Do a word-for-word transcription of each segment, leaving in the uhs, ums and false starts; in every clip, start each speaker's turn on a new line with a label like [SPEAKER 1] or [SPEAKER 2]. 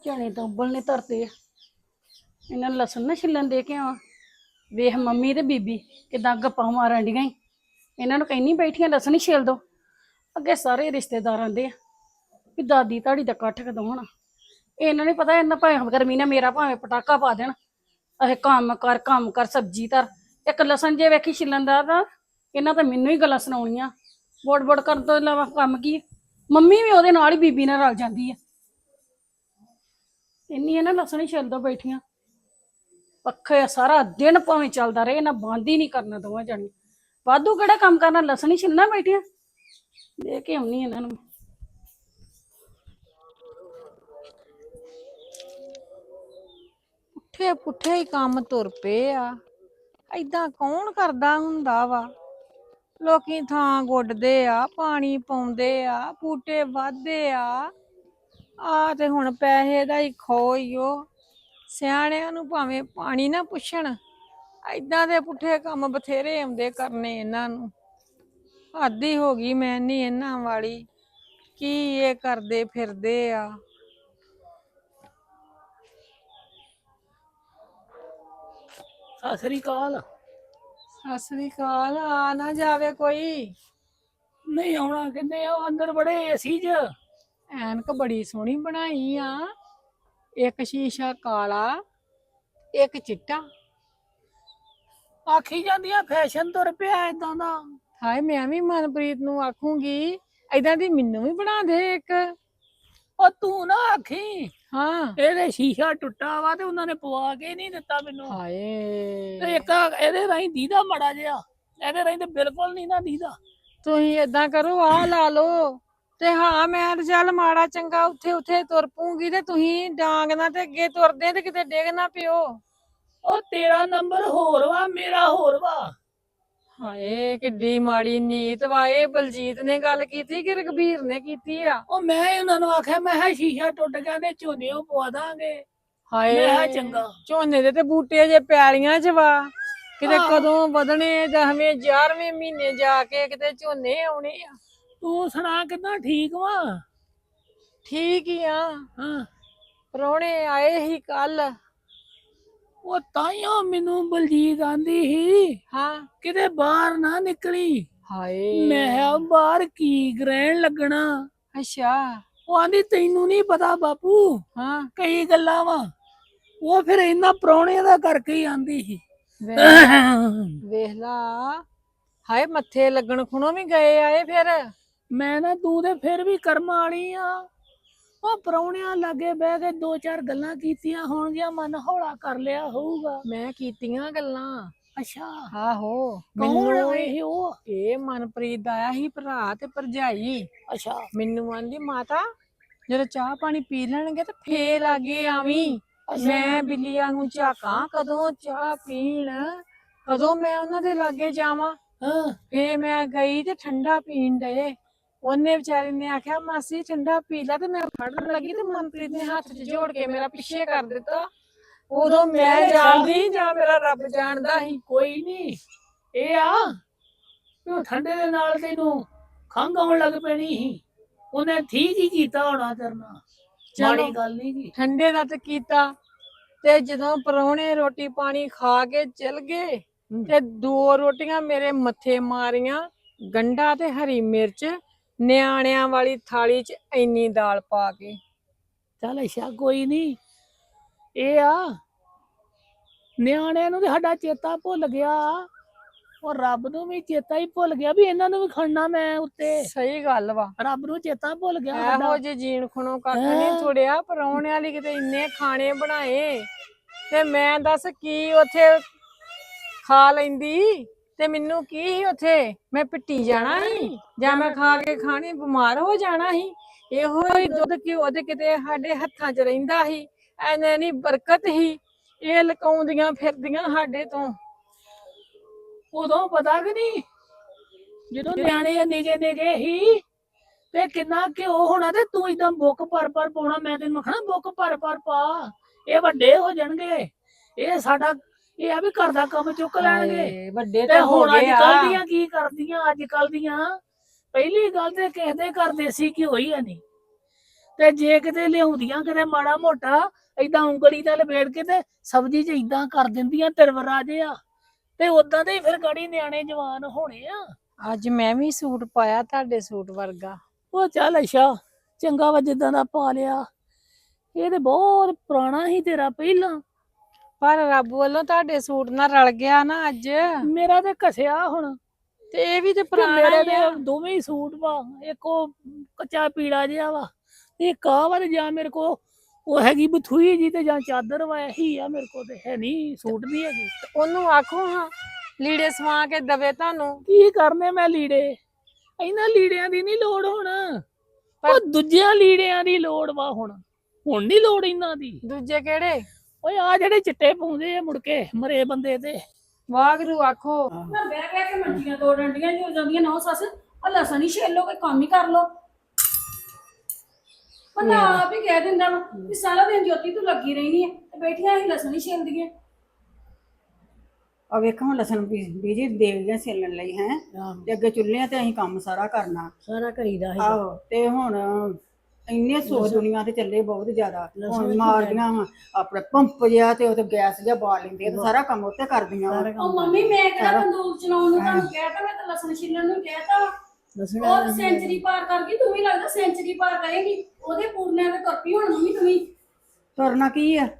[SPEAKER 1] चने तो उबलने धरते इन्हें लसन ना छिलन दे के आवा वेख मम्मी ते बीबी किदां गप्पां मारन डियां इन्हां नूं कहनी बैठियां लसन ही छिल दो अगे सारे रिश्तेदार आंदे भी दादी धाड़ी दा कट्ठ कदों होना इन्हां नहीं पता इन्हां भावें गर्मी ने मेरा भावें पटाका पा देन अहे कम्म कर कम्म कर सब्जी धर एक लसन जे वेखी छिलन दा तां इन्हां तां मैनूं ही गल्लां सुणाउणियां बोड़ बोड़ करन तों इलावा कम्म की मम्मी भी ओहदे नाल ही बीबी नाल रल जांदी है इन्नी है ना लसन ही छिल दो बैठियां पक्खे सारा दिन भावें चलदा रहे इन्हां बंद ही नहीं करना दोवें जणी वाधू केड़ा कम्म करना लसन ही छिलना बैठियां दे के आउनी इन्हां नूं
[SPEAKER 2] पुट्ठे पुट्ठे ही काम तुर पे आ ऐदां कौन करदा हुंदा वा लोकी थां गुड्डदे आ पानी पाउंदे आ बूटे वाधदे आ आ ते हुण पैसे दा ही खो ही ओ सियाणिਆਂ ਨੂੰ ਭਾਵੇਂ ਪਾਣੀ ਨਾ ਪੁੱਛਣ ऐदां दे पुट्ठे काम बथेरे आउंदे करने इन्हां ਨੂੰ हद ही हो गई मैं नहीं इन्हां वाली की ये करदे फिरदे आ
[SPEAKER 3] सत श्री अकाल
[SPEAKER 2] सत श्री अकाल आ ना जावे कोई
[SPEAKER 3] नहीं आना किन्ने अंदर बड़े एसी च
[SPEAKER 2] ऐनक बड़ी सोहनी बनाई आ एक शीशा काला एक चिट्टा
[SPEAKER 3] आखी जांदियां फैशन तुर पिया इदां दा
[SPEAKER 2] हाय मैं भी मनप्रीत नूं आखूंगी ऐदां दी मैनू भी बना दे एक
[SPEAKER 3] ओ तू ना आखी
[SPEAKER 2] हाँ
[SPEAKER 3] ਇਹਦੇ ਸ਼ੀਸ਼ਾ ਟੁੱਟਾ ਵਾ ਤੇ ਉਹਨਾਂ ਨੇ ਪਵਾ ਕੇ ਨਹੀਂ ਦਿੱਤਾ ਮੈਨੂੰ
[SPEAKER 2] ਹਾਏ
[SPEAKER 3] ਤੇ ਇੱਕ ਇਹਦੇ ਰਾਹੀਂ ਦੀਦਾ ਮੜਾ ਜਿਹਾ ਇਹਦੇ ਰਾਹੀਂ ਤੇ ਬਿਲਕੁਲ ਨਹੀਂ ਨਾ ਦੀਦਾ
[SPEAKER 2] ਤੁਸੀਂ ਏਦਾਂ ਕਰੋ ਆ ਲਾ ਲਓ ਤੇ ਹਾਂ ਮੈਂ ਤੇ ਚੱਲ ਮਾੜਾ ਚੰਗਾ ਉੱਥੇ ਉੱਥੇ ਤੁਰ ਪੂੰਗੀ ਤੇ ਤੁਸੀਂ ਡਾਂਗ ਨਾ ਤੇ ਅੱਗੇ ਤੁਰਦੇ ਤੇ ਕਿਤੇ ਡਿੱਗ ਨਾ ਪਿਓ
[SPEAKER 3] ਉਹ ਤੇਰਾ ਨੰਬਰ ਹੋਰ ਵਾ ਮੇਰਾ ਹੋਰ ਵਾ
[SPEAKER 2] ਹਾਏ ਕਿੱਡੀ ਮਾੜੀ ਨੀਤ ਵਾ ਇਹ ਬਲਜੀਤ ਨੇ ਗੱਲ ਕੀਤੀ ਕਿ ਰਘਬੀਰ ਨੇ ਕੀਤੀ ਆ
[SPEAKER 3] ਉਹ ਮੈਂ ਉਹਨਾਂ ਨੂੰ ਆਖਿਆ ਮੈਂ ਕਿਹਾ ਸ਼ੀਸ਼ਾ ਟੁੱਟ ਗਿਆ ਤੇ ਝੋਨੇ ਉਹ ਪਵਾ ਦਾਂਗੇ
[SPEAKER 2] ਹਾਏ
[SPEAKER 3] ਮੈਂ ਕਿਹਾ ਚੰਗਾ
[SPEAKER 2] ਝੋਨੇ ਦੇ ਤੇ ਬੂਟੇ ਜੇ ਪੈਲੀਆਂ ਚ ਵਾ ਕਿਤੇ
[SPEAKER 3] ਆਹੋ।
[SPEAKER 2] ਕਦੋਂ ਵਧਣੇ ਦਸਵੇਂ ਗਿਆਰਵੇਂ ਮਹੀਨੇ ਜਾ ਕੇ ਕਿਤੇ ਝੋਨੇ ਆਉਣੇ ਆ
[SPEAKER 3] ਤੂੰ ਸੁਣਾ ਕਿੱਦਾਂ ਠੀਕ ਵਾ
[SPEAKER 2] ਠੀਕ ਹੀ ਆ
[SPEAKER 3] ਹਾਂ
[SPEAKER 2] ਪ੍ਰਾਹੁਣੇ ਆਏ ਹੀ ਕੱਲ
[SPEAKER 3] ਉਹ ਤਾਈਓ ਮੈਨੂੰ ਬਲਜੀਤ ਆਂਦੀ ਸੀ
[SPEAKER 2] ਹਾਂ
[SPEAKER 3] ਕਿਤੇ ਬਾਹਰ ਨਾ ਨਿਕਲੀ
[SPEAKER 2] ਹਾਏ
[SPEAKER 3] ਮੈਂ ਕਿਹਾ ਬਾਹਰ ਕੀ ਗ੍ਰਹਿਣ ਲੱਗਣਾ
[SPEAKER 2] ਅੱਛਾ
[SPEAKER 3] ਉਹ ਆਂਦੀ ਤੈਨੂੰ ਨਹੀਂ ਪਤਾ ਬਾਪੂ
[SPEAKER 2] ਹਾਂ
[SPEAKER 3] ਕਈ ਗੱਲਾਂ ਵਾ ਉਹ ਫਿਰ ਇਹਨਾਂ ਪ੍ਰਾਹੁਣਿਆਂ ਦਾ ਕਰਕੇ ਹੀ ਆਂਦੀ ਸੀ
[SPEAKER 2] ਵੇਖ ਲਾ ਹਾਏ ਮੱਥੇ ਲੱਗਣ ਖੁਣੋਂ ਵੀ ਗਏ ਆਏ ਫਿਰ
[SPEAKER 3] ਮੈਂ ਨਾ ਤੂੰ ਤੇ ਫਿਰ ਵੀ ਕਰਮ ਵਾਲੀ ਆ ਉਹ ਪ੍ਰਾਹੁਣਿਆਂ ਲਾਗੇ ਬਹਿ ਕੇ ਦੋ ਚਾਰ ਗੱਲਾਂ ਕੀਤੀਆਂ ਹੋਣਗੀਆਂ ਮਨ ਹੌਲਾ ਕਰ ਲਿਆ ਹੋਊਗਾ
[SPEAKER 2] ਮੈਂ ਕੀਤੀਆਂ ਗੱਲਾਂ
[SPEAKER 3] ਅੱਛਾ
[SPEAKER 2] ਆਹੋ
[SPEAKER 3] ਕੌਣ
[SPEAKER 2] ਮੈਨੂੰ
[SPEAKER 3] ਇਹ ਉਹ
[SPEAKER 2] ਇਹ ਮਨਪ੍ਰੀਤ ਦਾ ਆਇਆ ਸੀ ਭਰਾ ਤੇ ਭਰਜਾਈ
[SPEAKER 3] ਅੱਛਾ
[SPEAKER 2] ਮੈਨੂੰ ਆਂਦੀ ਮਾਤਾ ਜਦੋਂ ਚਾਹ ਪਾਣੀ ਪੀ ਲੈਣਗੇ ਤੇ ਫੇਰ ਲਾਗੇ ਆਵੀਂ ਮੈਂ ਬਿੱਲੀਆਂ ਨੂੰ ਝਾਕਾਂ ਕਦੋਂ ਚਾਹ ਪੀਣ ਕਦੋਂ ਮੈਂ ਉਹਨਾਂ ਦੇ ਲਾਗੇ ਜਾਵਾਂ
[SPEAKER 3] ਹਾਂ
[SPEAKER 2] ਫੇਰ ਮੈਂ ਗਈ ਤੇ ਠੰਡਾ ਪੀਣ ਡਏ ਉਹਨੇ ਵਿਚਾਰੀ ਨੇ ਆਖਿਆ ਮਾਸੀ ਠੰਡਾ ਪੀ ਲੈ ਤੇ ਮੈਂ ਫੜਨ ਲੱਗੀ ਤੇ ਮਨਪ੍ਰੀਤ ਨੇ ਹੱਥ 'ਚ ਜੋੜ ਕੇ ਮੇਰਾ ਪਿੱਛੇ ਕਰ ਦਿੱਤਾ ਉਦੋਂ ਮੈਂ ਜਾਣਦੀ ਜਾਂ ਮੇਰਾ ਰੱਬ ਜਾਣਦਾ ਸੀ
[SPEAKER 3] ਕੋਈ ਨਹੀਂ ਇਹ ਆ ਵੀ ਉਹ ਠੰਡੇ ਦੇ ਨਾਲ ਤੈਨੂੰ ਖੰਘ ਆਉਣ ਲੱਗ ਪੈਣੀ ਸੀ ਉਹਨੇ ਠੀਕ ਹੀ ਕੀਤਾ ਹੋਣਾ ਕਰਨਾ ਮਾੜੀ ਗੱਲ ਨਹੀਂ ਕੀ
[SPEAKER 2] ਠੰਡੇ ਦਾ ਤੇ ਕੀਤਾ ਤੇ ਜਦੋਂ ਪਰੌਣੇ ਰੋਟੀ ਪਾਣੀ ਖਾ ਕੇ ਚਲ ਗਏ ਤੇ ਦੋ ਰੋਟੀਆਂ ਮੇਰੇ ਮੱਥੇ ਮਾਰੀਆਂ ਗੰਢਾ ਤੇ ਹਰੀ ਮਿਰਚ ਨਿਆਣਿਆਂ ਵਾਲੀ ਥਾਲੀ 'ਚ ਇੰਨੀ ਦਾਲ ਪਾ ਕੇ
[SPEAKER 3] ਚੱਲ ਅੱਛਾ ਕੋਈ ਨਹੀਂ ਇਹ ਆ ਨਿਆਣਿਆਂ ਨੂੰ ਤੇ ਸਾਡਾ ਚੇਤਾ ਭੁੱਲ ਗਿਆ ਉਹ ਰੱਬ ਨੂੰ ਵੀ ਚੇਤਾ ਹੀ ਭੁੱਲ ਗਿਆ ਵੀ ਇਹਨਾਂ ਨੂੰ ਵੀ ਖੜਨਾ ਮੈਂ ਉੱਤੇ
[SPEAKER 2] ਸਹੀ ਗੱਲ ਵਾ
[SPEAKER 3] ਰੱਬ ਨੂੰ ਚੇਤਾ ਭੁੱਲ ਗਿਆ
[SPEAKER 2] ਇਹੋ
[SPEAKER 3] ਸਾਡਾ
[SPEAKER 2] ਜਿਹੇ ਜੀਣ ਖੁਣੋਂ ਕੱਖ ਨਹੀਂ ਥੋੜਿਆ ਪਰੌਣਿਆਂ ਲਈ ਕਿਤੇ ਇੰਨੇ ਖਾਣੇ ਬਣਾਏ ਤੇ ਮੈਂ ਦੱਸ ਕੀ ਉੱਥੇ ਖਾ ਲੈਂਦੀ ਤੇ ਮੈਨੂੰ ਕੀ ਸੀ ਉੱਥੇ ਮੈਂ ਪਿੱਟੀ ਜਾਣਾ ਸੀ ਜਾਂ ਮੈਂ ਖਾ ਕੇ ਖਾਣੀ ਬਿਮਾਰ ਹੋ ਜਾਣਾ ਸੀ ਇਹੋ ਹੀ ਦੁੱਧ ਘਿਓ ਤੇ ਕਿਤੇ ਸਾਡੇ ਹੱਥਾਂ 'ਚ ਰਹਿੰਦਾ ਸੀ ਐਨੇ ਨਹੀਂ ਬਰਕਤ ਸੀ ਇਹ ਲਕਾਉਂਦੀਆਂ ਫਿਰਦੀਆਂ ਸਾਡੇ ਤੋਂ
[SPEAKER 3] ਉਦੋਂ ਪਤਾ ਕਿ ਨਹੀਂ ਜਦੋਂ ਨਿਆਣੇ ਨਿਗੇ ਨਿਗੇ ਹੀ ਤੇ ਕਿੰਨਾ ਘਿਓ ਹੋਣਾ ਤੇ ਤੂੰ ਇਦਾਂ ਬੁੱਕ ਭਰ ਭਰ ਪਾਉਣਾ ਮੈਂ ਤੈਨੂੰ ਆਖਣਾ ਬੁੱਕ ਭਰ ਭਰ ਪਾ ਇਹ ਵੱਡੇ ਹੋ ਜਾਣਗੇ ਇਹ ਸਾਡਾ ਇਹ ਆ ਵੀ ਘਰ ਦਾ ਕੰਮ ਚੁੱਕ ਲੈਣਗੇ
[SPEAKER 2] ਵੱਡੇ
[SPEAKER 3] ਤੇ
[SPEAKER 2] ਤਾਂ ਹੋ
[SPEAKER 3] ਹੁਣ ਅੱਜ
[SPEAKER 2] ਗਏ
[SPEAKER 3] ਕੱਲ
[SPEAKER 2] ਆ
[SPEAKER 3] ਦੀਆਂ ਕੀ ਕਰਦੀਆਂ ਅੱਜ ਕੱਲ ਦੀਆਂ ਪਹਿਲੀ ਗੱਲ ਤੇ ਕਿਸੇ ਦੇ ਘਰ ਦੇਸੀ ਘਿਓ ਹੀ ਹੈ ਨਹੀਂ ਤੇ ਜੇ ਕਿਤੇ ਲਿਆਉਂਦੀਆਂ ਕਿਤੇ ਮਾੜਾ ਮੋਟਾ ਏਦਾਂ ਉਂਗਲੀ ਨਾਲ ਲਪੇੜ ਕੇ ਤੇ ਸਬਜ਼ੀ 'ਚ ਏਦਾਂ ਕਰ ਦਿੰਦੀਆਂ ਤਿਰਵਰਾ ਜਿਹਾ ਤੇ ਉਦਾਂ ਦੇ ਹੀ ਫਿਰ ਗਾੜੀ ਨਿਆਣੇ ਜਵਾਨ ਹੋਣੇ ਆ।
[SPEAKER 2] ਅੱਜ ਮੈਂ ਵੀ ਸੂਟ ਪਾਇਆ ਤੁਹਾਡੇ ਸੂਟ ਵਰਗਾ।
[SPEAKER 3] ਉਹ ਚੱਲ ਅੱਛਾ ਚੰਗਾ ਵਾ ਜਿੱਦਾਂ ਦਾ ਪਾ ਲਿਆ। ਇਹ ਤੇ ਬਹੁਤ ਪੁਰਾਣਾ ਹੀ ਤੇਰਾ ਪਹਿਲਾਂ।
[SPEAKER 2] ਪਰ ਰੱਬ ਵੱਲੋਂ ਤੁਹਾਡੇ ਸੂਟ ਨਾਲ ਰਲ ਗਿਆ ਨਾ ਅੱਜ।
[SPEAKER 3] ਮੇਰਾ ਤੇ ਘਸਿਆ ਹੁਣ
[SPEAKER 2] ਤੇ ਇਹ ਵੀ ਤੇ
[SPEAKER 3] ਤੇ
[SPEAKER 2] ਪੁਰਾਣਾ
[SPEAKER 3] ਮੇਰੇ
[SPEAKER 2] ਹੀ ਆ।
[SPEAKER 3] ਤੇ ਦੋਵੇਂ ਹੀ ਸੂਟ ਵਾ। ਇੱਕ ਉਹ ਕੱਚਾ ਪੀੜਾ ਜਿਹਾ ਵਾ ਇੱਕ ਆ ਵਾ ਤੇ ਜਾਂ ਮੇਰੇ ਕੋ ਉਹ ਹੈਗੀ ਬਥੂਈ ਜੀ ਤੇ ਜਾਂ ਚਾਦਰ ਵਾ ਇਹੀ ਆ ਮੇਰੇ ਕੋ ਤੇ ਹੈ ਨਹੀਂ ਸੂਟ ਨਹੀਂ ਹੈਗੀ।
[SPEAKER 2] ਉਹਨੂੰ ਆਖੋ ਹਾਂ ਲੀੜੇ ਸਵਾ ਕੇ ਦਵੇ ਤੁਹਾਨੂੰ।
[SPEAKER 3] ਕੀ ਕਰਨੇ ਮੈਂ ਲੀੜੇ ਇਹਨਾਂ ਲੀੜਿਆਂ ਦੀ ਨਹੀਂ ਲੋੜ ਹੁਣ।
[SPEAKER 2] ਪਰ-
[SPEAKER 3] ਉਹ ਦੂਜਿਆਂ ਲੀੜਿਆਂ ਦੀ ਲੋੜ ਵਾ ਹੁਣ ਹੁਣ ਨਹੀਂ ਲੋੜ ਇਹਨਾਂ ਦੀ।
[SPEAKER 2] ਦੂਜੇ ਕਿਹੜੇ?
[SPEAKER 3] ਓਏ ਆ ਜਿਹੜੇ ਚਿੱਟੇ ਪਾਉਂਦੇ ਆ ਮੁੜ ਕੇ ਮਰੇ ਬੰਦੇ ਤੇ।
[SPEAKER 2] ਵਾਗਰੂ ਆਖੋ।
[SPEAKER 1] ਮੈਂ ਬਹਿ ਬਹਿ ਕੇ ਮੰਜੀਆਂ ਤੋੜ ਡੰਡੀਆਂ ਜੋ ਜਾਂਦੀਆਂ ਨੌ ਸੱਸ ਆ ਲਸਣ ਹੀ ਛੇਲੋ ਕੋਈ ਕੰਮ ਹੀ ਕਰ ਲੋ। ਬੰਦਾ ਆਪ ਹੀ ਕਹਿ ਦਿੰਦਾ ਵਾ ਵੀ ਸਾਰਾ ਦਿਨ ਜੋਤੀ ਤੂੰ ਲੱਗੀ ਰਹਿਣੀ ਹੈ ਤੇ ਬੈਠੀਆਂ ਹੀ ਲਸਣ ਹੀ ਛੇਲਦੀਆਂ।
[SPEAKER 4] ਆ ਵੇਖੋ ਹੁਣ ਲਸਣ ਬੀਜੀ ਦੇ ਗਏ ਛਿੱਲਣ ਲਈ ਹੈ ਤੇ ਅੱਗੇ ਚੁੱਲ੍ਹਿਆਂ ਤੇ ਅਸੀਂ ਕੰਮ ਸਾਰਾ ਕਰਨਾ
[SPEAKER 1] ਸਾਰਾ ਕਰੀਦਾ
[SPEAKER 4] ਆਹੋ ਤੇ ਹੁਣ ਇੰਨੇ ਸੋ ਦੁਨੀਆ ਤੇ ਚੱਲੇ ਬਹੁਤ ਜ਼ਿਆਦਾ ਹੁਣ ਮਾਰਦੀਆਂ ਵਾ ਆਪਣੇ ਪੰਪ ਜਿਹਾ ਤੇ ਉਹ ਤੇ ਗੈਸ ਜਿਹਾ ਬਾਲ ਲੈਂਦੇ ਤੇ ਸਾਰਾ ਕੰਮ ਉੱਤੇ ਕਰਦੀਆਂ ਵਾ।
[SPEAKER 1] ਉਹ ਮੰਮੀ ਮੈਂ ਕਿਹੜਾ ਬੰਦੂਕ ਚਲਾਉਣ ਨੂੰ ਤੁਹਾਨੂੰ ਕਹਿਤਾ ਮੈਂ ਤਾਂ ਲਸਣ ਛਿੱਲਣ ਨੂੰ ਕਹਿਤਾ ਵਾ। ਉਹ ਸੈਂਚਰੀ ਪਾਰ ਕਰ ਗਈ ਤੂੰ ਵੀ ਲੱਗਦਾ ਸੈਂਚਰੀ ਪਾਰ ਕਰੇਗੀ ਉਹਦੇ ਪੂਰਨਿਆਂ ਤੇ ਤੁਰਪੀ ਹੁਣ ਮੰਮੀ ਤੂੰ ਵੀ।
[SPEAKER 4] ਤੁਰਨਾ ਕੀ ਆ